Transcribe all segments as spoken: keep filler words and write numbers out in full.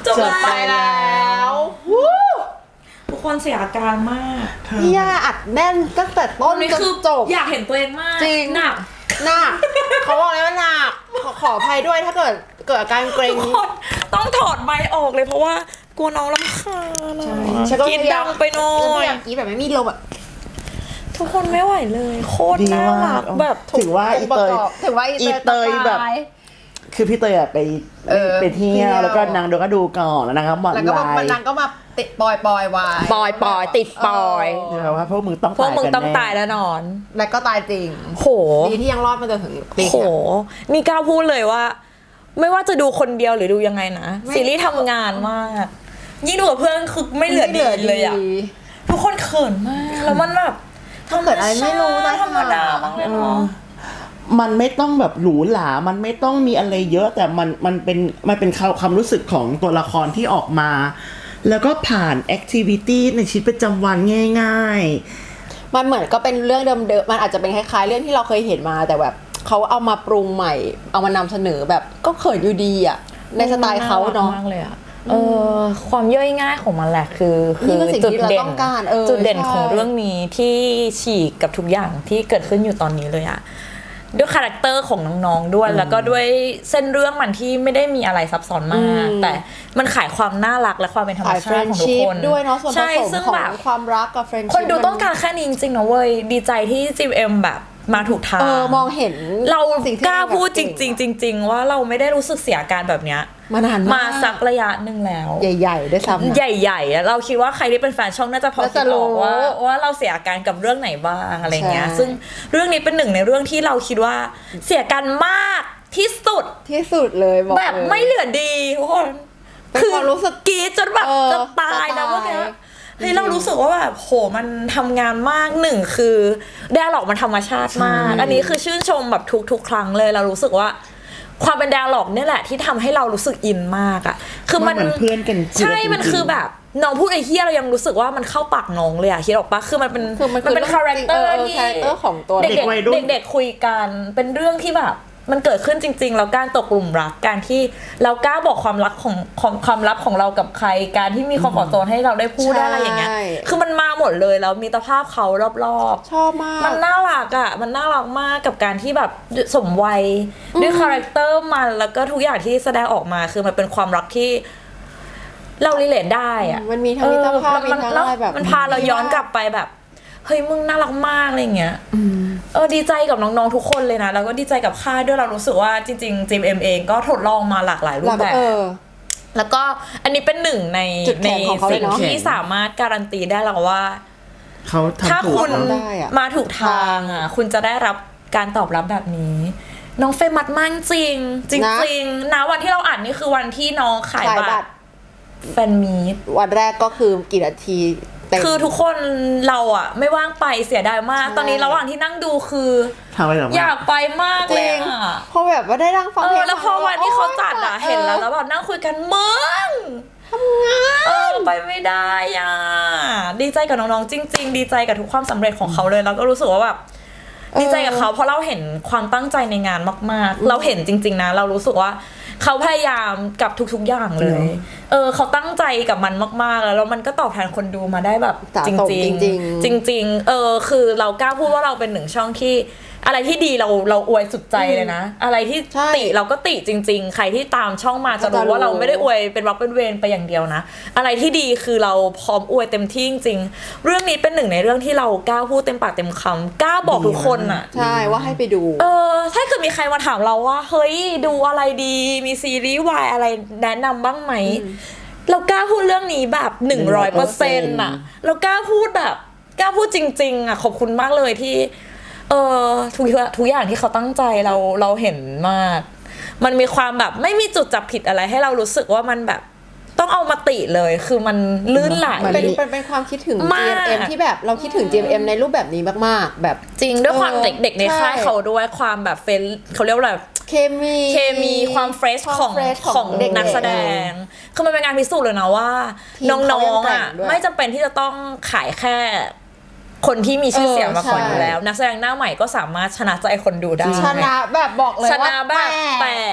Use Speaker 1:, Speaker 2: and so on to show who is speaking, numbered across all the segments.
Speaker 1: จบไปแล้วทุกคนเสียอาการมาก
Speaker 2: พี่ย่าอัดแน่นตั้งแต่ต้นจนจบ
Speaker 1: อยากเห็นตัวเองมาก
Speaker 2: จริง
Speaker 1: หนัก
Speaker 2: หนักเขาบอกเลยว่าหนักขออภัยด้วยถ้าเกิดเกิดอาการเกรง
Speaker 1: ทุกคนต้องถอดไมค์ออกเลยเพราะว่ากลัวน้องรำคาญกินดังไปหน่อย
Speaker 2: กินแบบไม่มีลมแบบ
Speaker 1: ทุกคนไม่ไหวเลยโคตรน่ารักแบบ
Speaker 3: ถือว่าอีเตย
Speaker 2: ถือว่า
Speaker 3: อีเตยแบบคือพี่เตยอะไปไปเที่ยวแล้วก็นางดูก็ดูก่อนแล้วนางก็บอก
Speaker 2: แล้วก็นางก็มาติดปอยปอยวาย
Speaker 1: ปอยปอยติดปอย
Speaker 3: ว่าพวกมึงต้อง
Speaker 1: พวกมึงต้องตายแล้วนอน
Speaker 2: แล้วก็ตายจริง
Speaker 1: โห
Speaker 2: ดีที่ยังรอดมาจนถึงปี
Speaker 1: โหนี่กล้าพูดเลยว่าไม่ว่าจะดูคนเดียวหรือดูยังไงนะซีรีส์ทำงานมากยิ่งดูกับเพื่อนคือไม่เหลือดีเลยอะทุกคนเขินมากแล้วมันแบบ
Speaker 2: ทำเกิดอะไรไม่รู้นะ
Speaker 1: ธรรมดามากเลยเนาะ
Speaker 3: มันไม่ต้องแบบหรูหรามันไม่ต้องมีอะไรเยอะแต่มันมันเป็นมันเป็นความรู้สึกของตัวละครที่ออกมาแล้วก็ผ่านแอคทิวิตี้ในชีวิตประจำวันง่าย
Speaker 2: ๆมันเหมือนก็เป็นเรื่องเดิมๆมันอาจจะเป็นคล้ายๆเรื่องที่เราเคยเห็นมาแต่แบบเขาเอามาปรุงใหม่เอามานำเสนอแบบก็เขินอยู่ดีอ่ะในสไตล์เขาเนาะ
Speaker 1: เออความย่อยง่ายของมันแหละคือคือจุดเด่นจุดเด่นของเรื่องนี้ที่ฉีกกับทุกอย่างที่เกิดขึ้นอยู่ตอนนี้เลยอะด้วยคาแรคเตอร์ของน้องๆด้วยแล้วก็ด้วยเส้นเรื่องมันที่ไม่ได้มีอะไรซับซ้อนมากแต่มันขายความน่ารักและความเป็นธรรมชาติของทุกคน
Speaker 2: ด้วยเนาะส่วนผสมของความรักกับเฟรนชิพ
Speaker 1: คนดูต้องการแค่นี้จริงๆนะเว้ยดีใจที่ จี เอ็ม แบบมาถูกทาง
Speaker 2: เออมองเห็น
Speaker 1: เรากล้าพูดจริงๆจริงๆว่าเราไม่ได้รู้สึกเสียอาการแบบเนี้ย
Speaker 2: มานาน
Speaker 1: มาสักระยะหนึ่งแล้ว
Speaker 2: ใหญ่ๆด้วยซ้ำ
Speaker 1: ใหญ่ๆเราคิดว่าใครที่เป็นแฟนช่องน่าจะพอจะรู้ว่าว่าเราเสียอาการกับเรื่องไหนบ้างอะไรเงี้ยซึ่งเรื่องนี้เป็นหนึ่งในเรื่องที่เราคิดว่าเสียการมากที่สุด
Speaker 2: ที่สุดเลยบอก
Speaker 1: แบบไม่เหลือดีทุกคน
Speaker 2: คือรู้สึก
Speaker 1: กรี๊ดจนแบบจะตายนะเมื่อกี้เฮ้ยเรารู้สึกว่าแบบโหมันทำงานมากหนึ่งคือไดอะล็อกมันธรรมชาติมากอันนี้คือชื่นชมแบบทุกๆครั้งเลยเรารู้สึกว่าความเป็นไดอะล็อกนี่แหละที่ทำให้เรารู้สึกอินมากอ่ะคือมัน
Speaker 3: เพื่อนกัน
Speaker 1: ใช่มันคือแบบน้องพูดไอ้เหี้ยเรายังรู้สึกว่ามันเข้าปากน้องเลยอ่ะคิดออกปะคือมันเป็นมันเป็นคาแรคเตอร์ที่
Speaker 2: ของตัว
Speaker 1: เด็กๆเด็กๆคุยกันเป็นเรื่องที่แบบมันเกิดขึ้นจริงๆแล้วการตกหลุมรักการที่เรากล้าบอกความรักของของความลับของเรากับใครการที่มีคอมฟอร์ตโซนให้เราได้พูดได้อะไรอย่างเงี้ยคือมันมาหมดเลยแล้วมีตรภาพเขารอบ
Speaker 2: ๆชอบมาก
Speaker 1: มันน่ารักอ่ะมันน่ารักมากกับการที่แบบสมวัยด้วยคาแรคเตอร์มันแล้วก็ทุกอย่างที่แสดงออกมาคือมันเป็นความรักที่เรารีเลทได้อ่ะ
Speaker 2: มันมีทั้งมิตรภาพมีทั้งอะไรแบบ
Speaker 1: มันพาเราย้อนกลับไปแบบเฮ้ยมึงน่ารักมากอะไรเงี้ยเออดีใจกับน้องๆทุกคนเลยนะแล้วก็ดีใจกับค่ายด้วยเรารู้สึกว่าจริงๆ จี เอ็ม เองก็ทดลองมาหลากหลายรูปแบบแล้วก็อันนี้เป็นหนึ่งในในสิ่งที่สามารถการันตีได้แล้วว่า
Speaker 3: เขา
Speaker 1: ถ้าคุณมาถูกทางอ่ะคุณจะได้รับการตอบรับแบบนี้น้องเฟมัสมากจริงจริงๆนะวันที่เราอ่านนี่คือวันที่น้องขายบัตรแฟนมีต
Speaker 2: วันแรกก็คือกี่นาที
Speaker 1: คือทุกคนเราอะไม่ว่างไปเสียดายมากตอนนี้ระหว่างที่นั่งดูคืออยากไปมากเลยอะ
Speaker 2: พอแบบว่าได้นั่งฟังเพลง
Speaker 1: แล้วพอวันที่เขาจัดอะเห็นแล้วแล้วแบบนั่งคุยกันมึง
Speaker 2: ทำงาน
Speaker 1: เออไปไม่ได้อะดีใจกับน้องๆจริงๆดีใจกับทุกความสำเร็จของเขาเลยแล้วก็รู้สึกว่าแบบดีใจกับเขาเพราะเราเห็นความตั้งใจในงานมากๆเราเห็นจริงๆนะเรารู้สึกว่าเขาพยายามกับทุกๆอย่างเลยเออเขาตั้งใจกับมันมากๆแล้วแล้วมันก็ตอบแทนคนดูมาได้แบบจริงๆจริงๆเออคือเรากล้าพูดว่าเราเป็นหนึ่งช่องที่อะไรที่ดีเราเราอวยสุดใจเลยนะอะไรที่ติเราก็ติจริงๆใครที่ตามช่องมาจะรู้ว่าเราไม่ได้อวยเป็นวักเป็นเวรไปอย่างเดียวนะอะไรที่ดีคือเราพร้อมอวยเต็มที่จริงๆเรื่องนี้เป็นหนึ่งในเรื่องที่เรากล้าพูดเต็มปากเต็มคำกล้าบอกทุกคนอ่ะ
Speaker 2: ใช่ว่าให้ไปดู
Speaker 1: เออถ้าเกิดมีใครมาถามเราว่าเฮ้ยดูอะไรดีมีซีรีส์วายอะไรแนะนำบ้างไหมเรากล้าพูดเรื่องนี้แบบหนึ่งร้อยเปอร์เซ็นต์อ่ะเรากล้าพูดแบบกล้าพูดจริงๆอ่ะขอบคุณมากเลยที่เออทุกทุกอย่างที่เขาตั้งใจเราเราเห็นมากมันมีความแบบไม่มีจุดจับผิดอะไรให้เรารู้สึกว่ามันแบบต้องเอามาติเลยคือมันลื่นไหล
Speaker 2: เป็นเป็นเป็นความคิดถึง จี เอ็ม เอ็ม ที่แบบเราคิดถึง จี เอ็ม เอ็ม ในรูปแบบนี้มากๆแบบ
Speaker 1: จริงด้วยความเด็กๆในค่ายเขาด้วยความแบบเฟนเขาเรียกว่าอะไร
Speaker 2: เคมี
Speaker 1: เคมีความเฟรชของของเด็กนักแสดงคือมันเป็นงานพิสูจน์เลยนะว่าน้องๆอ่ะไม่จำเป็นที่จะต้องขายแค่คนที่มีชื่อเสียงมาก่อนอยู่แล้วนักแสดงหน้าใหม่ก็สามารถชนะใจคนดูได้
Speaker 2: ชนะแบบบอกเลยว่า
Speaker 1: ชนะแบบแปลก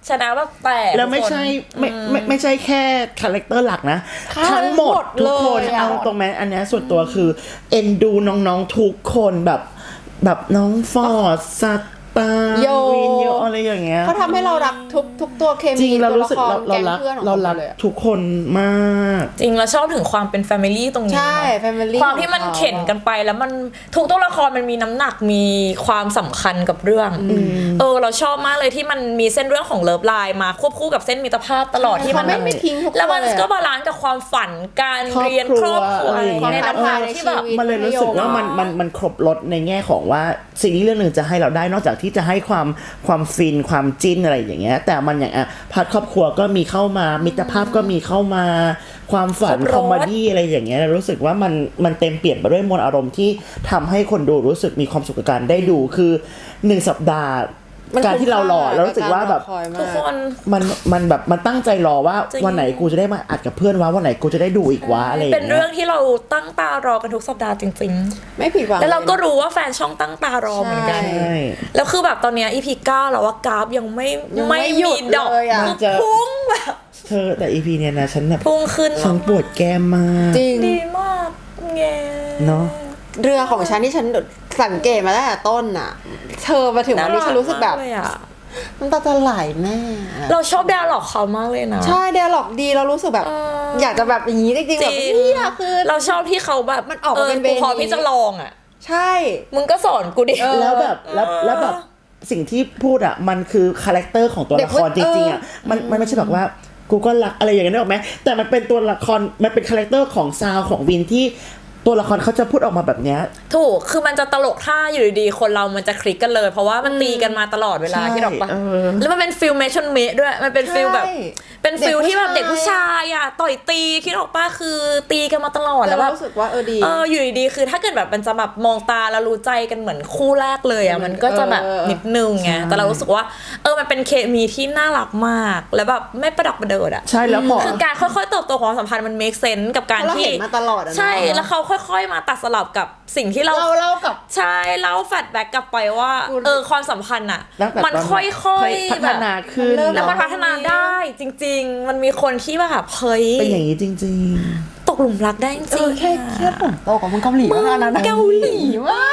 Speaker 1: ชนะแบบแตก
Speaker 3: แล้วไม่ใช่ไม่ไม่ไม่ใช่แค่คาแรคเตอร์หลักนะ ทั้งหมดทุกคน
Speaker 2: เลยอะ
Speaker 3: เอาตรงแม้อันเนี้ยส่วนตัวคือเอ็นดูน้องๆทุกคนแบบแบบน้องฟอร์ดสัตตา
Speaker 2: โย
Speaker 3: วินโยอะไรอย่างเงี้ย
Speaker 2: เขาทำให้เรารักทุกทุกตัวเค
Speaker 3: จริ
Speaker 2: มี
Speaker 3: งเรา
Speaker 2: ตัว
Speaker 3: รู้
Speaker 2: ละ
Speaker 3: สึก
Speaker 2: คร
Speaker 3: เราเรา
Speaker 2: แก๊ง
Speaker 3: รัก
Speaker 2: เพื่อนของ
Speaker 3: เรา
Speaker 2: เขา
Speaker 3: รัก
Speaker 2: เลยอะ
Speaker 3: ทุกคนมาก
Speaker 1: จริงเราชอบถึงความเป็นแฟมิลี่ตรงนี้
Speaker 2: ใช่
Speaker 1: เนอะ
Speaker 2: family
Speaker 1: ความที่มัน
Speaker 2: ของเขา
Speaker 1: เข็นกันไปแล้วมันทุกตัวละครมันมีน้ำหนักมีความสำคัญกับเรื่องเออเราชอบมากเลยที่มันมีเส้นเรื่องของเลิฟไลน์มาควบคู่กับเส้นมิตรภาพตลอดที่มัน
Speaker 2: เขาไม่ไม่ทิ้งทุก
Speaker 1: แล้วมัน
Speaker 2: ตัวเลยอะ
Speaker 1: ก็บาลานซ์กับความฝันการ
Speaker 3: ครอบ
Speaker 1: เรียน
Speaker 3: ครัว
Speaker 1: ครอบครัว
Speaker 3: อะไรอย่างเงี้ย
Speaker 1: ในน้ำตาที่แบบ
Speaker 3: มันเลยรู้สึกว่ามันมันมันครบรสในแง่ของว่าซีรีส์เรื่องหนึ่งจะให้เราได้นอกจากที่จะให้ความความฟินความจิ้นอะไรอย่างเงี้ยแต่มันอย่างอ่ะพาร์ทครอบครัวก็มีเข้ามามิตรภาพก็มีเข้ามาความฝัน
Speaker 1: ครบรส
Speaker 3: คอมเมดี้อะไรอย่างเงี้ยรู้สึกว่ามันมันเต็มเปี่ยมไปด้วยมวลอารมณ์ที่ทำให้คนดูรู้สึกมีความสุขกับการได้ดูคือหนึ่งสัปดาห์
Speaker 2: มัน
Speaker 3: การที่เรารอเรารู้สึกว่าแบบ
Speaker 2: คุ้มค่
Speaker 1: ทุกคน
Speaker 3: มันมันแบบมันตั้งใจรอว่า
Speaker 1: จริง
Speaker 3: วันไหนกูจะได้มาอัดกับเพื่อนวะวันไหนกูจะได้ดูอีกวะอะไรอย่าง
Speaker 1: เป็น
Speaker 3: เงี้
Speaker 1: เรื่อย งที่เราตั้งตารอกันทุกสัปดาห์จริง
Speaker 2: ไม่ผิดหวัง
Speaker 1: ๆ แล้วเราก็รู้ว่าแฟนช่องตั้งตารอเหมือนกัน
Speaker 3: ใช่
Speaker 1: แล้วคือแบบตอนเนี้ย อี พี เก้าแล้วว่ากราฟยังไม่
Speaker 2: ยังไม่หยุ
Speaker 1: มี
Speaker 2: ด
Speaker 1: ดอก
Speaker 2: เลยอะ
Speaker 1: คือพุ่งแบบ
Speaker 3: เธอแต่อีพีเนี้ยนะฉันแบบ
Speaker 1: พุ่งขึ้น
Speaker 3: ฉันปวดแก้มมาก
Speaker 2: จริง
Speaker 1: ดีมากแง
Speaker 3: เนาะ
Speaker 2: เรือของฉันที่ฉันสังเกตมาตั้งแต่ต้นน่ะ เธอมาถึงวันนี้ฉันรู้สึกแบบ
Speaker 1: น่ารัมากเลยอะ
Speaker 2: น้ำตาจะไหลแม่
Speaker 1: เราชอบแดร์ล็อกเขามากเลยนะ
Speaker 2: ใช่เดียหลอกดีเรารู้สึกแบบ
Speaker 1: เออ
Speaker 2: อ
Speaker 1: อ
Speaker 2: ยากจะแบบอย่างนี้จริงๆ
Speaker 1: จ
Speaker 2: แบบ
Speaker 1: ริง
Speaker 2: เฮียคือ
Speaker 1: เราชอบที่เขาแบบ
Speaker 2: มันออกมาเป็นเว
Speaker 1: กู
Speaker 2: นี้
Speaker 1: พร้อมที่จะลองอ่ะ
Speaker 2: ใช่
Speaker 1: มึงก็สอนกูดิ
Speaker 2: เออ
Speaker 3: แล้วแบบแล้วแล้วแบบสิ่งที่พูดอ่ะมันคือคาแรคเตอร์ของตัวละครจ
Speaker 2: เด็กมัน
Speaker 3: ริงๆอ่ะ
Speaker 2: เออ
Speaker 3: มันมันไม่ใช่แบบว่ากูก็รักอะไรอย่างเงี้ยนึกออกไหมแต่มันเป็นตัวละครมันเป็นคาแรคเตอร์ของซาวของวินที่ตัวละครเขาจะพูดออกมาแบบเนี้ย
Speaker 1: ถูก คือมันจะตลกถ้าอยู่ดีๆ คนเรามันจะคลิกกันเลย เพราะว่ามันตีกันมาตลอดเวลา
Speaker 3: ใช่
Speaker 1: ที่ดอกปะ
Speaker 3: เออ
Speaker 1: แล้วมันเป็นฟิลเมชั่นเมด้วย มันเป็นฟิลแบบ
Speaker 2: ใช่
Speaker 1: เป็นฟิลที่แบบ
Speaker 2: เด็
Speaker 1: เด็
Speaker 2: ก
Speaker 1: ก
Speaker 2: ผู้
Speaker 1: ผู้
Speaker 2: ชา
Speaker 1: ชาย ยอะต่อยตีคิดออกปะคือตีกันมาตลอด
Speaker 2: แต่
Speaker 1: แล้วแบ
Speaker 2: เรา
Speaker 1: บ
Speaker 2: รู้สึกว่าเออดี
Speaker 1: เอออยู่ดีๆ คือถ้าเกิดแบบมันจะแบบมองตาแล้วรู้ใจกันเหมือนคู่แรกเลยอ่ะ มันก็จะแบบ
Speaker 2: เออ
Speaker 1: นิดนึงไง
Speaker 3: ใช่
Speaker 1: แต่เรารู้สึกว่า เออ มันเป็นเคมีที่น่ารักมาก แล้วแบบไม่ประดักประเดิดอ่ะ
Speaker 3: ใช่แล้วพอ
Speaker 1: คือการค่อยๆเติบโตของความสัมพันธ์มัน make sense กับการ
Speaker 2: เพราะเรา
Speaker 1: ที่
Speaker 2: เห็นมาตลอดอะนะ
Speaker 1: ใช่ แล้วเขาค่อยๆ มาตัดสลับกับสิ่งที่เรา
Speaker 2: เราเล่ากับ
Speaker 1: ใช่เล่าแฟลชแบ็กกลับไปว่า
Speaker 2: คุณ
Speaker 1: เออ ความสัมพันธ์อ่ะ
Speaker 3: ตั้งแต่
Speaker 1: มัน
Speaker 3: ตอน
Speaker 1: ค่อยๆ
Speaker 3: พั
Speaker 1: แบ
Speaker 3: ฒ
Speaker 1: บ
Speaker 3: นาขึ้น
Speaker 2: มันเริ่ม
Speaker 1: แล้วมัน
Speaker 3: เนาะ
Speaker 1: พัฒนาได้จริง ๆ มันมีคนที่แบบเฮ้ย
Speaker 3: เป็นอย่างนี้จริง
Speaker 1: ตกหลุมรักได้จริง
Speaker 2: เออแค่แค่ผมโตกว่ามึงเกาหลีมากนะ
Speaker 1: เกาหลีมาก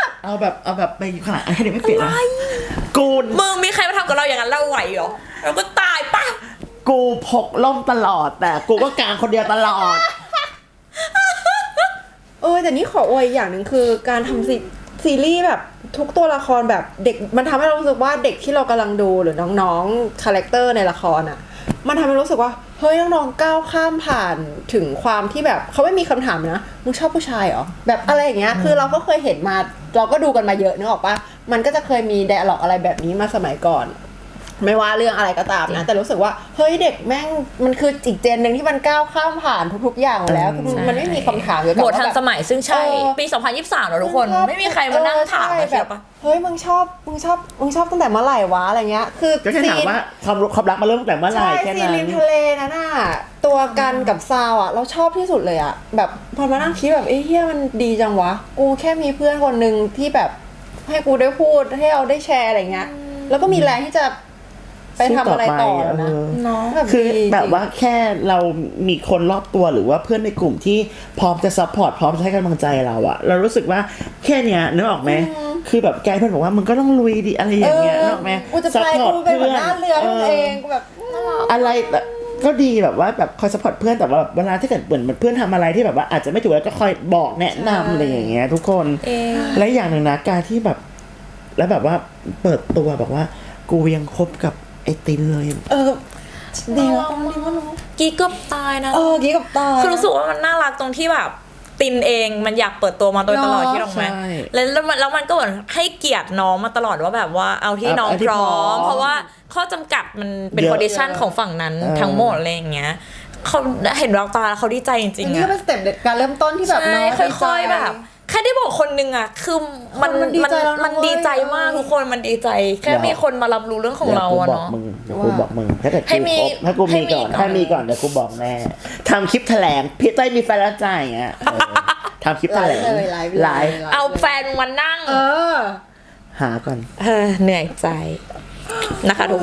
Speaker 3: ๆ เอาแบบเอาแบบไปขนาดอันนี้ไม่เปลี่ยนนะกู
Speaker 1: มึงมีใครมาทำกับเราอย่างนั้นเราไหวเหรอเราก็ตายปะ
Speaker 3: กูพกล่มตลอด แต่กูก็กางคนเดียวตลอด
Speaker 2: เออแต่นี่ขออวยอย่างหนึ่งคือการทำซีซีรีส์แบบทุกตัวละครแบบเด็กมันทำให้เรารู้สึกว่าเด็กที่เรากำลังดูหรือน้องๆคาแรคเตอร์ในละครอ่ะมันทำให้รู้สึกว่าเฮ้ยน้องๆก้าวข้ามผ่านถึงความที่แบบเขาไม่มีคำถามนะมึงชอบผู้ชายเหรอแบบอะไรอย่างเงี้ยคือเราก็เคยเห็นมาเราก็ดูกันมาเยอะนึกออกปะมันก็จะเคยมีไดอะล็อกอะไรแบบนี้มาสมัยก่อน ไม่ว่าเรื่องอะไรก็ตามนะแต่รู้สึกว่าเฮ้ยเด็กแม่งมันคืออีกเจนหนึ่งที่มันก้าวข้ามผ่านทุกๆอย่างมาแล้วคือมันไม่มีคำถามเกี่ยวกับ
Speaker 1: โหมด
Speaker 2: ว่า
Speaker 1: ทัน
Speaker 2: แบบ
Speaker 1: สมัยซึ่งใช่
Speaker 2: เออ
Speaker 1: ปี สองพันยี่สิบสามแล้วทุกคน
Speaker 2: งชอบ
Speaker 1: ไม่มีใครมานั่งถาม
Speaker 2: เออ
Speaker 1: นะ
Speaker 2: ใช่
Speaker 1: เชี
Speaker 2: แบ
Speaker 1: ยว
Speaker 2: บ
Speaker 1: ปะ
Speaker 2: เฮ้ยมึงชอบมึงชอบมึงชอบตั้งแต่เมื่อไหร่วะอะไรเงี้ยคือ
Speaker 3: ก็แค่ถามว่าความรู้ความรักมาเริ่มตั้งแต่เมื่อไหร่
Speaker 2: ใช่
Speaker 3: แค่
Speaker 2: ซี
Speaker 3: นั้น
Speaker 2: ริมทะเลนั่นน่ะตัวกันกับซาวอ่ะเราชอบที่สุดเลยอ่ะแบบพอมานั่งคิดแบบเอ้ยเฮียมันดีจังวะกูแค่มีเพื่อนคนหนึ่งที่แบบให้กูได้พูดให้เราได้แชร์อะไรเงี้ยแล้วก็มีแรงที่จะไปทำอะไรต่อแล้วนะ
Speaker 3: เออ
Speaker 2: เนาะแบบ
Speaker 3: คือ
Speaker 2: ดี
Speaker 3: แบบว่าแค่เรามีคนรอบตัวหรือว่าเพื่อนในกลุ่มที่พร้อมจะซัพพอร์ตพร้อมจะให้กำลังใจเราอะเรารู้สึกว่าแค่เนี้ยนึกออกไหมคือแบบแกเพื่อนบอกว่ามึงก็ต้องลุยดิอะไรอย่างเงี้ยนึกออกไหม
Speaker 2: กูจะไปกูเป็นหัวหน้าเรือให้มึงเองกูแบบน่ารัก
Speaker 3: อะไรแต่ก็ดีแบบว่าแบบคอยซัพพอร์ตเพื่อนแต่ว่าแบบเวลาที่เกิดเหมือนเพื่อนทำอะไรที่แบบว่าอาจจะไม่ถูกแล้วก็คอยบอกแนะนำอะไรอย่างเงี้ยทุกคน
Speaker 1: เอง
Speaker 3: และอย่างหนึ่งนะการที่แบบแล้วแบบว่าเปิดตัวบอกว่ากูยังคบกับไอตินเลย
Speaker 2: เออดีแล้วดีมากเนาะ
Speaker 1: กี้เกือบตายนะ
Speaker 2: เออกี้กับตา
Speaker 1: คือรู้สึกว่ามันน่ารักตรงที่แบบตินเองมันอยากเปิดตัวมาโดยตลอด
Speaker 2: เนอะ
Speaker 1: ที่น้องแม่
Speaker 3: ใช่
Speaker 1: แล้วแล้วมันแล้วมันก็เหมือนให้เกียรติน้องมาตลอดว่าแบบว่าเอาที่น้อง
Speaker 3: เอาที่
Speaker 1: พร้อ
Speaker 3: พร้อ
Speaker 1: ม
Speaker 3: ม
Speaker 1: เพราะว่าข้อจำกัดมันเป็น
Speaker 3: เยอะ
Speaker 1: คอนดิชันของฝั่งนั้น
Speaker 3: เออ
Speaker 1: ทั้งหมดอะไรอย่างเงี้ยเขาเห็นแววตาแล้วเขาดีใจจริงๆ
Speaker 2: นี่ก็
Speaker 1: อะ
Speaker 2: เป็นสเต็ปเด็ดการเริ่มต้นที่แบบ
Speaker 1: ใช่
Speaker 2: น้อง
Speaker 1: ค่อยๆแบบ แค่ได้บอกคนนึงอะคือมัน
Speaker 2: คนมันดีใจแล้วนะ
Speaker 1: มันดีใจมาก
Speaker 2: เว้ย
Speaker 1: ทุกคนมันดีใจ แค่
Speaker 3: เดี๋ยว
Speaker 1: มีคนมารับรู้เรื่องของเราอะ
Speaker 3: ดี๋ยวกูบอก
Speaker 1: เนาะ
Speaker 3: มึงเดี๋ยวกูบอกมึงถ้าเกิด
Speaker 1: ให้
Speaker 3: กู
Speaker 1: มี
Speaker 3: ครบถ้ากูมีก่อน
Speaker 1: ให้มีก่อน
Speaker 3: ถ้ามีก่อนเดี๋ยวกูบอกแน่ทำคลิปแถลงพี่เต้ยมีแฟนแล้วจ่ายอย่างเงี้ยเออทำคลิปแถลง
Speaker 2: ไลฟ์เลย
Speaker 3: ไล
Speaker 2: ไล
Speaker 3: ฟ์
Speaker 2: ฟ์
Speaker 1: เอาแฟนมานั่ง
Speaker 2: เออ
Speaker 3: หาก่อน
Speaker 1: เออเหนื่อยใจนะคะทุกคน
Speaker 2: ส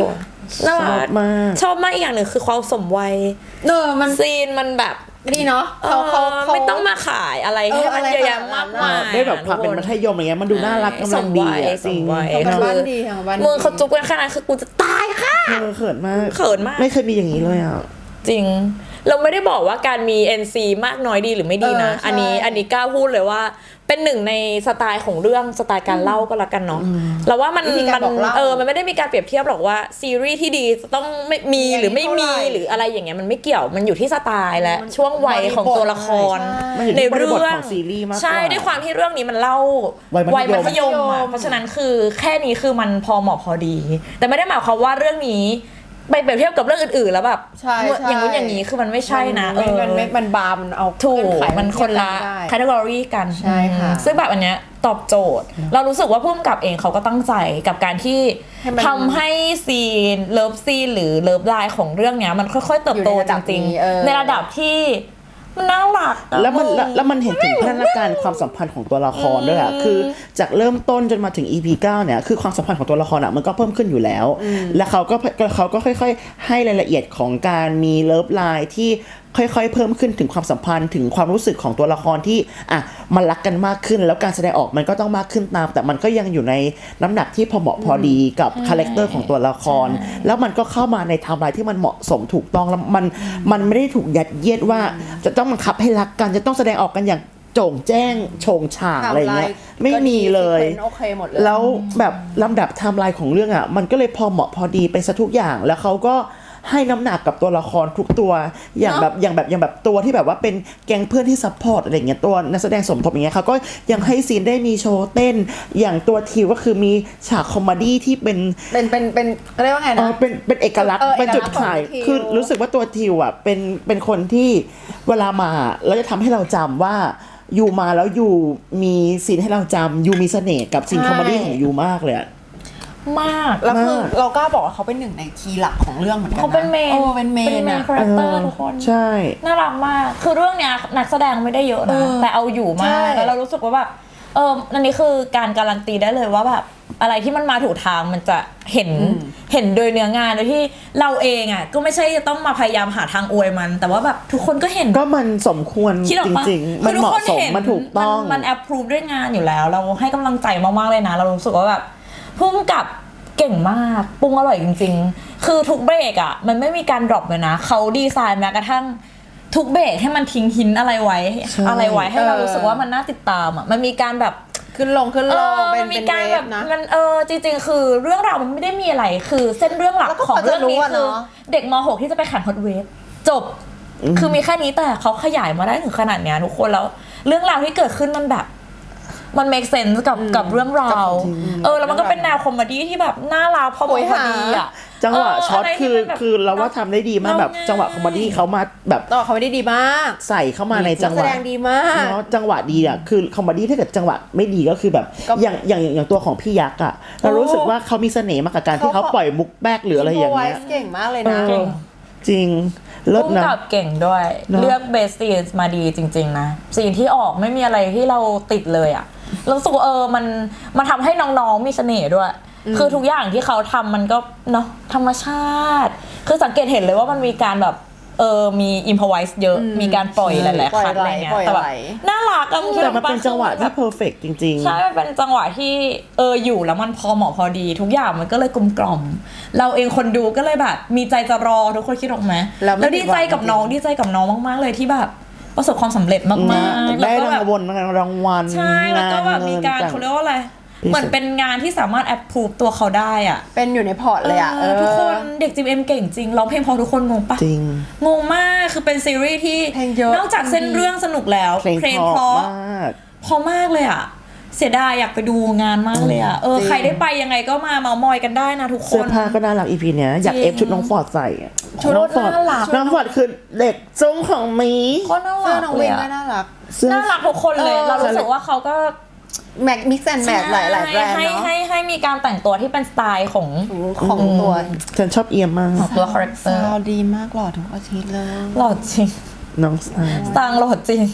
Speaker 1: น่า
Speaker 3: ชอ
Speaker 1: รับ ก
Speaker 3: มาก
Speaker 1: ชอบมากอีกอย่างหนึ่งคือความสมวัย
Speaker 2: เนอมัน
Speaker 1: ซีนมันแบบ
Speaker 2: ดีเนาะเขาเขา
Speaker 1: เออ
Speaker 2: เขา
Speaker 1: ไม่ต้องมาขายอะไร
Speaker 2: เออ
Speaker 1: ให้มัน
Speaker 2: อะไร
Speaker 1: เยอะแยะ
Speaker 2: ขนา
Speaker 1: มา
Speaker 2: ด
Speaker 1: ก
Speaker 2: นั้น
Speaker 1: มาย
Speaker 3: ได้แบบความเป็นมัธยมอะไรเงี้ยมันดูน่ารักกำลังดีอ่ะ
Speaker 1: สมวัย
Speaker 3: จริง
Speaker 1: สมวัย
Speaker 2: ทำกันบ้านดีทำกันบ้านดี
Speaker 1: มึงเขาจุ๊บกันขนาดคือกูจะตายค่ะ
Speaker 3: เออเขินมาก
Speaker 1: เขินมาก
Speaker 3: ไม่เคยมีอย่างนี้เลยอ่ะ
Speaker 1: จริง เราไม่ได้บอกว่าการมี เอ็น ซี มากน้อยดีหรือไม่ดีนะ
Speaker 2: เออใช่
Speaker 1: อันนี้อันนี้กล้าพูดเลยว่าเป็นหนึ่งในสไตล์ของเรื่องสไตล์การเล่าก็แล้วกันเนาะเราว่ามัน
Speaker 2: วิธีกา
Speaker 1: มั
Speaker 2: รบอกเล่า
Speaker 1: เออมันไม่ได้มีการเปรียบเทียบหรอกว่าซีรีส์ที่ดีจะต้องไม่มี
Speaker 2: มี
Speaker 1: หรือไม่มี
Speaker 2: เท่าไหร่
Speaker 1: หรืออะไรอย่างเงี้ยมันไม่เกี่ยวมันอยู่ที่สไตล์และ
Speaker 2: มัน
Speaker 1: ช่วงวัยของตัวละคร
Speaker 2: ใช่
Speaker 3: มันอยู่
Speaker 1: ใน
Speaker 3: ที่บริ
Speaker 1: เรื่
Speaker 3: บท
Speaker 1: อง
Speaker 3: ของซีรีส์มากกว่า
Speaker 1: ใช่ด้วยความที่เรื่องนี้มันเล่า
Speaker 3: วัยมัธยม
Speaker 1: มัธยมอะเพราะฉะนั้นคือแค่นี้คือมันพอเหมาะพอดี แต่ไม่ได้หมายความว่าเรื่องนี้ไปเปรียบเทียบกับเรื่องอื่นๆแล้วแบบ
Speaker 2: ใช่ใช่
Speaker 1: อย่างนู้นอย่างนี้คือมันไม่ใช่นะ
Speaker 2: มัน
Speaker 1: เออ
Speaker 2: มันมันมันบาร์มันเอา
Speaker 1: ถูก
Speaker 2: เงื่อไข
Speaker 1: มันคนละ
Speaker 2: ได้
Speaker 1: แคตตากรีกัน
Speaker 2: ใช่ค่ะ
Speaker 1: อืมซึ่งแบบอันเนี้ยตอบโจทย์ เรารู้สึกว่าผู้กำกับเองเขาก็ตั้งใจกับการที่
Speaker 2: ให้มัน
Speaker 1: ทำให้ซีนเลิฟซีนหรือเลิฟไลน์ของเรื่องเนี้ยมันค่อยๆเติบโต
Speaker 2: อยู่ในระ
Speaker 1: จ
Speaker 2: ดับ
Speaker 1: ริง
Speaker 2: นี้เออ
Speaker 1: ๆในระดับที่มันน่ารักอะ
Speaker 3: แล้วมัน
Speaker 1: ง
Speaker 3: แล้วแล้วมันเห็นถึงพัฒนาการความสัมพันธ์ของตัวละครด้วยอ่ะคือจากเริ่มต้นจนมาถึง อี พี เก้าเนี่ยคือความสัมพันธ์ของตัวละครอ่ะมันก็เพิ่มขึ้นอยู่แล้ว แล้วเขาก็เขาก็ค่อยๆ ให้รายละเอียดของการมีเลิฟไลน์ที่ค่อยๆ เพิ่มขึ้นถึงความสัมพันธ์ถึงความรู้สึกของตัวละครที่อ่ะมันรักกันมากขึ้น แล้วการแสดงออกมันก็ต้องมากขึ้นตาม แต่มันก็ยังอยู่ในน้ำหนักที่พอเหมาะพอดีกับคาแรคเตอร์ของตัวละคร แล้วมันก็เข้ามาในไทม์ไลน์ที่มันเหมาะสมถูกต้องแล้วมันมันไม่ได้ถูกยัดเยียดว่าจะต้องบังคับให้รักกันจะต้องแสดงออกกันอย่างโจ่งแจ้งโฉงฉางอะไรเงี้ยไม่มีเลย
Speaker 2: โอเคหมดเลย
Speaker 3: แล้วแบบลำดับไทม์ไลน์ของเรื่องอ่ะมันก็เลยพอเหมาะพอดีไปซะทุกอย่าง แล้วเขาก็ให้น้ำหนักกับตัวละครทุกตัวอย่างแบบอย่างแบบอย่างแบบตัวที่แบบว่าเป็นแก๊งเพื่อนที่ซัพพอร์ตอะไรเงี้ยตัวนักแสดงสมทบอย่างเงี้ยเขาก็ยังให้ซีนได้มีโชว์เต้นอย่างตัวทิวก็คือมีฉากคอมเมดี้ที่เป็น
Speaker 2: เป็นเป็นเป็นเขาเรียกว่าไง
Speaker 3: เอ
Speaker 2: นะ
Speaker 3: อเป็นเป็นเอกลักษณ์
Speaker 2: เออ
Speaker 3: เป็นจุด
Speaker 2: เอกลักษณ์
Speaker 3: ขาย
Speaker 2: ของทิว
Speaker 3: คือรู้สึกว่าตัวทิวอ่ะเป็นเป็นคนที่เวลามาแล้วจะทำให้เราจำว่ายูมาแล้วยูมีซีนให้เราจำยูมีเสน่ห์กับซีนคอมเมดี้ของยูมากเลยอะ
Speaker 1: มาก
Speaker 2: แล้วคือ
Speaker 3: มาก
Speaker 2: เรากล้าบอกว่าเขาเป็นหนึ่งในคีย์หลักของเรื่องเหมือนกันนะ
Speaker 1: เขาเป็นเมน
Speaker 2: โอ้เป็นเมน
Speaker 1: เป็นเมน
Speaker 2: อะ
Speaker 1: คาแรคเตอร์ทุกคน
Speaker 3: ใช่
Speaker 1: น่ารักมาก คือเรื่องเนี้ยนักแสดงไม่ได้เยอะ
Speaker 2: เอ
Speaker 1: นะ
Speaker 2: อ
Speaker 1: แต่เอาอยู่มา
Speaker 2: ใช่
Speaker 1: ก แล้วเรารู้สึกว่าแบบ เอออันนี้คือการการันตีได้เลยว่าแบบอะไรที่มันมาถูกทางมันจะเห็นเห็นโดยเนื้องานโดยที่เราเองอ่ะก็ไม่ใช่จะต้องมาพยายามหาทางอวยมัน แต่ว่าแบบทุกคนก็เห็น
Speaker 3: ก็มันสมควร
Speaker 1: คิดออก
Speaker 3: จ
Speaker 1: ปะ
Speaker 3: ริงๆ มัน
Speaker 1: คือ
Speaker 3: เห
Speaker 1: ทุก
Speaker 3: มาะ
Speaker 1: คน
Speaker 3: สม
Speaker 1: เห็น
Speaker 3: มันถูกต้อง
Speaker 1: มันมันแอปพรูฟด้วยงานอยู่แล้ว เราให้กำลังใจมากๆเลยนะ เรารู้สึกว่าแบบพุ่มกับเก่งมากปรุงอร่อยจริง ๆ คือทุกเบรกอ่ะมันไม่มีการดรอปเลยนะเขาดีไซน์แม้กระทั่งทุกเบรกให้มันทิ้งหินอะไรไว้
Speaker 3: ใช่
Speaker 1: อะไรไว้ให้เรา
Speaker 2: เออ
Speaker 1: รู้สึกว่ามันน่าติดตามอ่ะมันมีการแบบ
Speaker 2: ขึ้นลงขึ้นล
Speaker 1: เอง อ
Speaker 2: เป็
Speaker 1: มัน นมี
Speaker 2: เป็น
Speaker 1: การ
Speaker 2: เว
Speaker 1: แบ
Speaker 2: ฟ
Speaker 1: บ
Speaker 2: นะ
Speaker 1: มันเออจริงๆ คือเรื่องราวมันไม่ได้มีอะไร คือเส้นเรื่องหลัก
Speaker 2: แล้วก็
Speaker 1: ของเรื่องนี้
Speaker 2: พอจะรู้อะ
Speaker 1: คือ
Speaker 2: เนอะ
Speaker 1: เด็กม หก ที่จะไปแข่งฮอตเวฟจบ คือมีแค่นี้แต่เขาขยายมาได้ถึงขนาดเนี้ยทุกคนแล้วเรื่องราวที่เกิดขึ้นมันแบบมัน make sense กับกับเรื่องราวเออแล้วมันก็เป็นแนวคอมเมดี้ที่แบบน่ารักพอเหมาะพอดีอ่ะ
Speaker 3: จังหวะ
Speaker 1: เ
Speaker 3: ช็อต
Speaker 1: ไร
Speaker 3: คื
Speaker 1: ที่
Speaker 3: อ
Speaker 1: มันแบบ
Speaker 3: คือเราว่าทำได้ดีมากแบบ
Speaker 1: เราง่าย
Speaker 3: จังหวะคอมเมดี้เขามาแบบ
Speaker 2: ต่อเขาไม่ได้ดีมาก
Speaker 3: ใส่เข้ามาในจังห
Speaker 2: แส
Speaker 3: วะ
Speaker 2: ดงดีมาก
Speaker 3: เนาะจังหวะดีอ่ะคือคอมเมดี้ถ้าเกิดจังหวะไม่ดีก็คือแบบ
Speaker 2: ก็
Speaker 3: อย่างอย่างอย่างตัวของพี่ยักษ์อ่ะเรารู้สึกว่าเขามีเสน่ห์มากกับการที่เขาปล่อยมุกแบกหรืออะไรอย่างเงี้ย
Speaker 2: เก่งมากเลย
Speaker 3: เอ
Speaker 2: นะ
Speaker 3: อจริงเลิศ
Speaker 1: พุ่ม
Speaker 3: นะ
Speaker 1: กับเก่งด้วย
Speaker 3: เนอะ
Speaker 1: เลือกเบสซีนมาดีจริง ๆ นะซีนที่ออกไม่มีอะไรที่เราติดเลยอะเรารู้สึกว่าเออมันมันทำให้น้องๆมีเสน่ห์ด้วย คือทุกอย่างที่เขาทำมันก็เนาะธรรมชาติ คือสังเกตเห็นเลยว่ามันมีการแบบเออมีอิมพอไวส์เยอะ มีการปล่อยหลายๆคัดอะไรเงี้ย
Speaker 2: ปล่อย
Speaker 1: แต่แบบ
Speaker 2: ไหล
Speaker 1: น่ารักอะมึงคิด
Speaker 3: แต่
Speaker 1: ออก
Speaker 3: มันเป็นจังหวะที่เพอร์เฟกจริงๆ
Speaker 1: ใช่มันเป็นจังหวะที่เอออยู่แล้วมันพอเหมาะพอดี ทุกอย่างมันก็เลยกลมกล่อมเราเองคนดูก็เลยแบบมีใจจะรอทุกคนคิดออกไหม
Speaker 2: แล้วไม่
Speaker 1: แล้วดีใจกับ
Speaker 2: ผิดหวัง
Speaker 1: น้องดีใจกับน้องมากๆเลยที่แบบประสบความสำเร็จมากๆ
Speaker 3: ได้
Speaker 1: แล้วก็แบ
Speaker 3: รา
Speaker 1: บ
Speaker 3: งวัลรางวัล
Speaker 1: ใช่แล้วก็แบบมีการ
Speaker 3: งน
Speaker 1: เขาเรียกว่าอะไร
Speaker 3: พิเศษ
Speaker 1: เหมือนเป็นงานที่สามารถแอปพูฟตัวเขาได้อ่ะ
Speaker 2: เป็นอยู่ในพอร์ตเลยอ่ะ
Speaker 1: เออทุกคนเด็กจิมเอ็มเก่งจริงร้องเพลงเพอทุกคนงงปะ
Speaker 3: จริง
Speaker 1: งงมากคือเป็นซีรีส์ที่
Speaker 2: เพลงเยอะ
Speaker 1: นอกจากเส้นเรื่องสนุกแล้ว
Speaker 3: เพลง
Speaker 1: เพ
Speaker 3: เพ
Speaker 1: ราะ
Speaker 3: ราะมาก
Speaker 1: พอมากเลยอ่ะเสียดายอยากไปดูงานมากเลยอ่ะเออ
Speaker 2: จริง
Speaker 1: ใครได้ไปยังไงก็มาเมามอยกันได้นะทุกค
Speaker 3: เสื้อน ผ้าก็น่ารักอีพีเนี้ยอยาก
Speaker 1: จริง
Speaker 3: เอฟชุดน้องฟอร์ดใส่อะ
Speaker 1: ชุด
Speaker 3: น้องฟอร์ด
Speaker 1: น่ารัก
Speaker 3: น้องฟอร์ดคือเด็กทรงของหมี
Speaker 1: ก็น่า
Speaker 2: เสื้อ
Speaker 1: รัก
Speaker 2: น้อง
Speaker 1: เล
Speaker 2: วิ
Speaker 1: ย
Speaker 2: น
Speaker 1: อะ
Speaker 2: ก็น่ารัก
Speaker 3: เสื้อ
Speaker 1: น่ารักทุกคนเลย
Speaker 2: เออ
Speaker 1: เรารู้สึกว่าเขาก็
Speaker 2: แม็กมิกซ์แอนด์แมทหลายหลายๆแบรนด์
Speaker 1: ให้
Speaker 2: เนาะ
Speaker 1: ให้ให้มีการแต่งตัวที่เป็นสไตล์ของ
Speaker 2: ของตัว
Speaker 3: ฉันชอบเอียมมาก
Speaker 1: ของตัวคาแรคเตอร์
Speaker 2: ซาวดีมากหล่อทุกอาทิตย์เลย
Speaker 1: หล่อจริง
Speaker 3: น้องสไตล์
Speaker 1: สตางค์หล่อจริง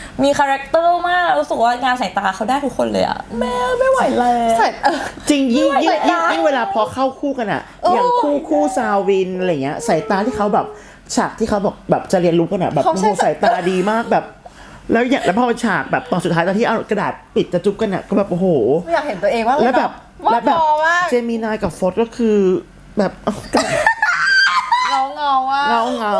Speaker 1: มีคาแรคเตอร์มากรู้สึกว่างานสายตาเขาได้ทุกคนเลยอะแม่ไม่ไหวแล้ว
Speaker 2: ใส่เออ
Speaker 3: จริงยิ่งยิ่ง
Speaker 2: สาย
Speaker 3: ยิ่ง
Speaker 2: ตา
Speaker 3: ยิ่งเวลาพอเข้าคู่กันอะอย่างคู่คู่ซาวินอะไรเงี้ยสายตาที่เขาแบบฉากที่เขาบอกแบบจะเรียนรู้กันอะแบบ
Speaker 2: เขา
Speaker 3: โอ้
Speaker 2: ใช้
Speaker 3: โหสายตาดีมากแบบ แล้วอย่างแล้วพอฉากแบบตอนสุดท้ายตอนที่เอากระดาษปิดจะจุ๊บกันอะก็แบบโอ้โห
Speaker 2: ไม่อยากเห็นตัวเองว่า
Speaker 3: แล้วแบบ
Speaker 2: ว่า
Speaker 3: แล้วแบบ
Speaker 2: พอมาก
Speaker 3: เจมินายกับโฟร์ก็คือแบบ
Speaker 2: เงาเงาว่า
Speaker 3: เงาเงา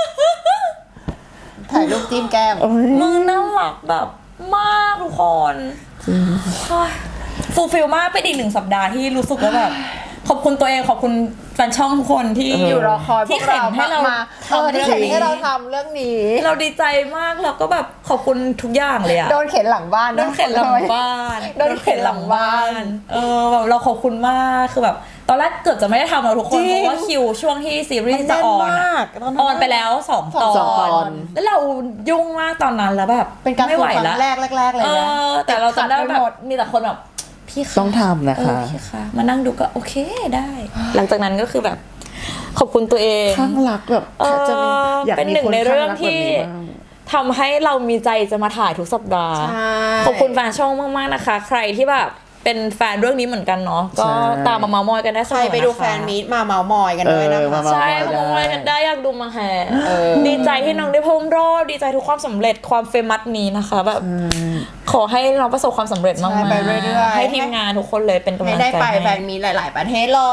Speaker 2: ถ่ายรูปจิ้มแก้ม
Speaker 3: โอ้ย
Speaker 1: มึงน่ารักแบบมากทุกคนฟูลฟิลมากเป็นอีกหนึ่งสัปดาห์ที่รู้สึกว่าแบบขอบคุณตัวเองขอบคุณแฟนช่องทุกคนที่
Speaker 2: อยู่รอคอยพ
Speaker 1: ที่
Speaker 2: วก
Speaker 1: เข็น
Speaker 2: เรา
Speaker 1: ให้เรา
Speaker 2: มา
Speaker 1: ทำ
Speaker 2: เออที่
Speaker 1: เรื่อง
Speaker 2: เข็น
Speaker 1: นี้
Speaker 2: ให้เราทำเรื่องนี้
Speaker 1: เราดีใจมากแล้วก็แบบขอบคุณทุกอย่างเลยอะ
Speaker 2: โดนเข็นหลังบ้าน
Speaker 1: โดนเข็นหลังบ้าน
Speaker 2: โดนเข็นหลังบ้าน
Speaker 1: เออแบบเราขอบคุณมากคือแบบตอนแรกเกือบจะไม่ได้ทำแล้วทุกคน
Speaker 2: จริง
Speaker 1: เพราะว่าคิวช่วงที่ซีรีส์จะออน
Speaker 2: มันแน่น
Speaker 1: อะ
Speaker 2: มากตอนนั้น
Speaker 1: ออนไปแล้วสองตอ
Speaker 3: สองตอน
Speaker 1: น แล้วเรายุ่งมากตอนนั้นแล้วแบบ
Speaker 2: เป็นการ
Speaker 1: ไม่ไหว
Speaker 2: ฝึกค
Speaker 1: แล้
Speaker 2: รั้
Speaker 1: ว
Speaker 2: งแรกแรกๆเลย
Speaker 1: เอ
Speaker 2: นะ
Speaker 1: อแต่เราจำได้ว่า
Speaker 2: ติ
Speaker 1: แบ
Speaker 2: ขัหม
Speaker 1: บมีแต่คนแบบพี่คะ
Speaker 3: ต้องทำนะคะ
Speaker 1: เออพี่คะมานั่งดูก็โอเคได้ หลังจากนั้นก็คือแบบ ขอบคุณตัวเอง
Speaker 3: ข้างรักแบบ
Speaker 1: เออ
Speaker 3: จะมีอยาก
Speaker 1: เป็น
Speaker 3: มี
Speaker 1: หนึ่ง
Speaker 3: คน
Speaker 1: ใน
Speaker 3: ข้าง
Speaker 1: เรื่อง
Speaker 3: รักแบบ
Speaker 1: ที่
Speaker 3: นี้บ้าง
Speaker 1: ทำให้เรามีใจจะมาถ่ายทุกสัปดาห์
Speaker 2: ใช่
Speaker 1: ขอบคุณแฟนช่องมากๆนะคะ ใครที่แบบเป็นแฟนเรื่องนี้เหมือนกันเนาะก็
Speaker 3: ใช่
Speaker 1: ตามมาเมามอยกันได้เส
Speaker 2: ใค
Speaker 1: ม
Speaker 2: ร
Speaker 1: อนะคะ
Speaker 2: ไปดูแฟนมีตมาเมาส์มอยกันด้วยนะ
Speaker 3: เออ
Speaker 2: คะ
Speaker 3: มา
Speaker 1: ใช่
Speaker 3: เมาม
Speaker 1: มา
Speaker 3: อย
Speaker 1: เมามอยกันได้อยากดูมาแห่ดีใจที่น้องได้เพิ่มรอดดีใจทุกความสำเร็จความเฟมัสนี้นะคะแบบขอให้น้องประสบความสำเร็จมาก
Speaker 2: ใช่ไปเรื่อยๆ
Speaker 1: ให้ทีมงานทุกคนเลยเป็นกำ
Speaker 2: ให้
Speaker 1: ลัง
Speaker 2: ได้
Speaker 1: ใจ
Speaker 2: ไปแฟ
Speaker 1: ให้
Speaker 2: นมีตหลาย ๆ ประเทศเลย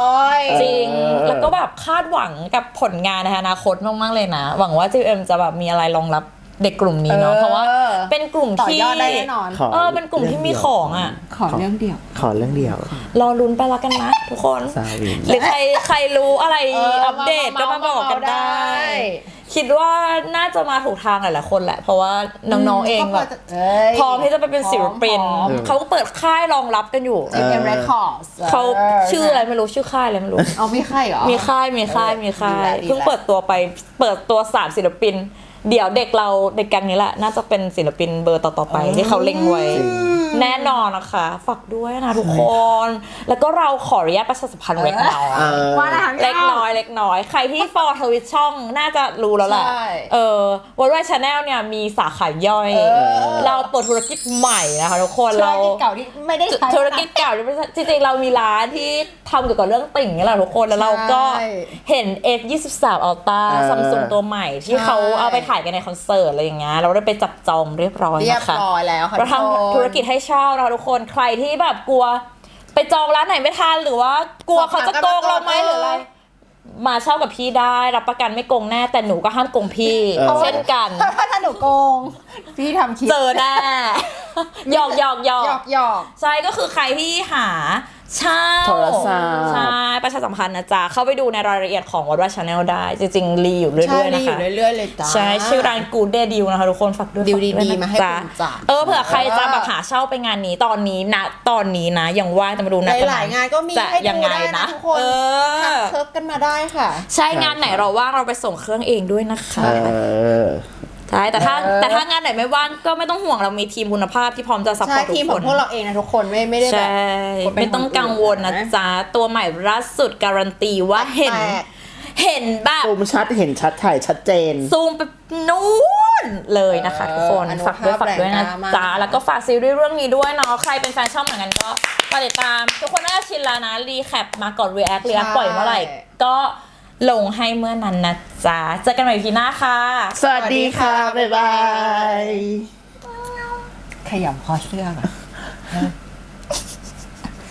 Speaker 1: จริง
Speaker 3: เออ
Speaker 1: แล้วก็แบบคาดหวังกับผลงานในอนาคตมากๆเลยนะ หวังว่า จี เอ็ม จะแบบมีอะไรรองรับเด็กกลุ่มนี้เนาะ
Speaker 2: เออ
Speaker 1: เพราะว่าเป็นกลุ่ม
Speaker 2: ต่อ
Speaker 1: ที่
Speaker 2: ยอดได้แน่นอน
Speaker 3: ขอ
Speaker 1: เออเป็นกลุ่มที่มีของอ่ะ
Speaker 2: ขอเรื่องเดียว
Speaker 3: ขอเรื่องเดียว
Speaker 1: รอลุ้นไปละกันนะทุกคน
Speaker 3: ซาวิน
Speaker 1: หรือใครใครรู้อะไร
Speaker 2: เออ
Speaker 1: อัปเดตก็
Speaker 2: มา
Speaker 1: มา
Speaker 2: เมา
Speaker 1: บอกกัน
Speaker 2: เมาได้
Speaker 1: ได้ คิดว่าน่าจะมาถูกทางหลายๆคนแหละ เพราะว่าน้องๆเองแบบพร้อมที่จะไปเป็นศิลปิน
Speaker 2: พร้อม
Speaker 1: เขาก็เปิดค่ายรองรับกันอยู่
Speaker 2: เอ็ม เอ็ม Records
Speaker 1: เขาชื่ออะไรไม่รู้ชื่อค่ายอะไรไม่รู้
Speaker 2: เอาไม่ใช่เหรอ
Speaker 1: มีค่ายมีค่ายมีค่าย
Speaker 2: ดีแล้วดีแล้ว
Speaker 1: เพิ่งเปิดตัวไปเปิดตัวสามศิลปิน เดี๋ยวเด็กเราเด็กแก๊งนี้แหละน่าจะเป็นศิลปินเบอร์ต่อๆไปที่เขาเล็งไว้
Speaker 3: จริง
Speaker 1: แน่นอนนะคะฝากด้วยนะทุกคน แล้วก็เราขออนุญาตประชาสัมพันธ์เล็กน้อย
Speaker 3: เออ
Speaker 2: ว่าอะไรคะพี่
Speaker 1: เล็กน้อยเล็กน้อย ใครที่ฟอลทวิตช่องน่าจะรู้แล้วแหละ
Speaker 2: ใช่
Speaker 1: เออวันวายชาแนลเนี่ยมีสาขาย่อย
Speaker 2: เออ
Speaker 1: เราเปิดธุรกิจใหม่นะคะทุกคน
Speaker 2: ธุร
Speaker 1: เรา
Speaker 2: กิจเก่าที่ไม่ได้ใช้
Speaker 1: ธุรกิจเก่าที่ไม่ใช่จริงๆเรามีร้านที่ทำเกี่ยวกับเรื่องติ่งนี่แหละทุกคนแล้วเราก็
Speaker 2: ใช่
Speaker 1: เห็น เอฟ ยี่สิบสาม Ultra
Speaker 3: เออ
Speaker 1: ซัมซุงตัวใหม่ที่เขา
Speaker 2: ใช่
Speaker 1: เอาไปถ่ายกันในคอนเสิร์ตอะไรอย่างเงี้ยเราได้ไปจับจองเรียบร้อย
Speaker 2: เรียบ
Speaker 1: นะคะ
Speaker 2: ร้อยแล้วค่ะ
Speaker 1: เรา
Speaker 2: ทุกคน
Speaker 1: ทำธุรกิจให้เช่านะคะทุกคนใครที่แบบกลัว ไปจองร้านไหนไม่ทันหรือว่ากลัวเขาจะโกงเราไหมหรืออะไร มาเช่ากับพี่ได้รับประกันไม่โกงแน่แต่หนูก็ห้ามโกงพี่
Speaker 3: เออ
Speaker 1: เช่นกัน
Speaker 2: ถ้าถ้าหนูโกง พี่ทำคลิป
Speaker 1: เจอแน่หยอกหยอกหยอ
Speaker 2: หยอก กหยอก
Speaker 1: ใช่ก็คือใครที่หาเช่า
Speaker 3: โทรศัพท์
Speaker 1: ใช่ประชาสัมพันธ์นะจ๊ะเข้าไปดูในรายละเอียดของวัดว่าชาแนลได้ จริงๆรีอยู่เรื่
Speaker 2: ใช่
Speaker 1: อยๆ
Speaker 2: ดี
Speaker 1: นะ
Speaker 2: อยู่
Speaker 1: คะ
Speaker 2: เรื่อยๆเลยจ้า
Speaker 1: ใช่ชื่อร้านกูเดดิวนะคะทุกคนฝากด้วย
Speaker 2: ดิว
Speaker 1: ฝาก
Speaker 2: ดีๆ
Speaker 1: ยนะ
Speaker 2: มาให้
Speaker 1: จ๊ะ
Speaker 2: คุณจ้ะ
Speaker 1: เออเผื่อใครจะแบบหาเช่าไปงานนี้ตอนนี้นะตอนนี้นะยังว่างจะมาดูนะ
Speaker 2: หลายๆงานก็มี
Speaker 1: จะ
Speaker 2: ให้
Speaker 1: ยั
Speaker 2: ดู
Speaker 1: ไง
Speaker 2: ได้นะทุกคน
Speaker 1: เอ
Speaker 2: ทั
Speaker 1: อก
Speaker 2: เชิญกันมาได้ค่ะ
Speaker 1: ใช่งานไหนเราว่างเราไปส่งเครื่องเองด้วยนะคะ
Speaker 3: เออ
Speaker 1: ใช่แต่ถ้า
Speaker 2: เออ
Speaker 1: แต่ถ้างานไหนไม่ว่างก็ไม่ต้องห่วงเรามีทีมคุณภาพที่พร้อมจะซัพพ
Speaker 2: ใช่
Speaker 1: อร์ตทุ
Speaker 2: ทีม
Speaker 1: ก
Speaker 2: ข
Speaker 1: ค
Speaker 2: อง
Speaker 1: น
Speaker 2: พวกเราเองนะทุกคนไม่ไม่ได้แบบ
Speaker 1: ใช่
Speaker 2: คนเป็น
Speaker 1: ไม่ต้องกังวลนะ
Speaker 2: คนอื่นนะ
Speaker 1: จ๊ะ ตัวใหม่ล่าสุดการันตีว่าเห็น
Speaker 2: แปลก
Speaker 1: เห็นแบบ
Speaker 3: ซูมชัดเห็นชัดถ่ายชัดเจน
Speaker 1: ซูมไปนู้นเลยนะคะทุกคน
Speaker 2: อนุ
Speaker 1: ฝากด้วย
Speaker 2: ภาพ
Speaker 1: ฝากด้วยนะ
Speaker 2: แรงกล้ามาก
Speaker 1: จ๊ะแล้วก็ฝากซีรีส์เรื่องนี้ด้วยเนาะใครเป็นแฟนช่องเหมือนกันก็มาติดตาม ทุกคนน่าจะชินแล้วนะรีแคปมาก่อน react react ปล่อยเมื่อไหร่ ก็ลงให้เมื่อนั้นนะจ๊ะเจอกันใหม่พีหน้าค่ะ
Speaker 3: สวัสดีค่ะ บ๊ายบาย
Speaker 2: ขยำคอเสื้อก่อน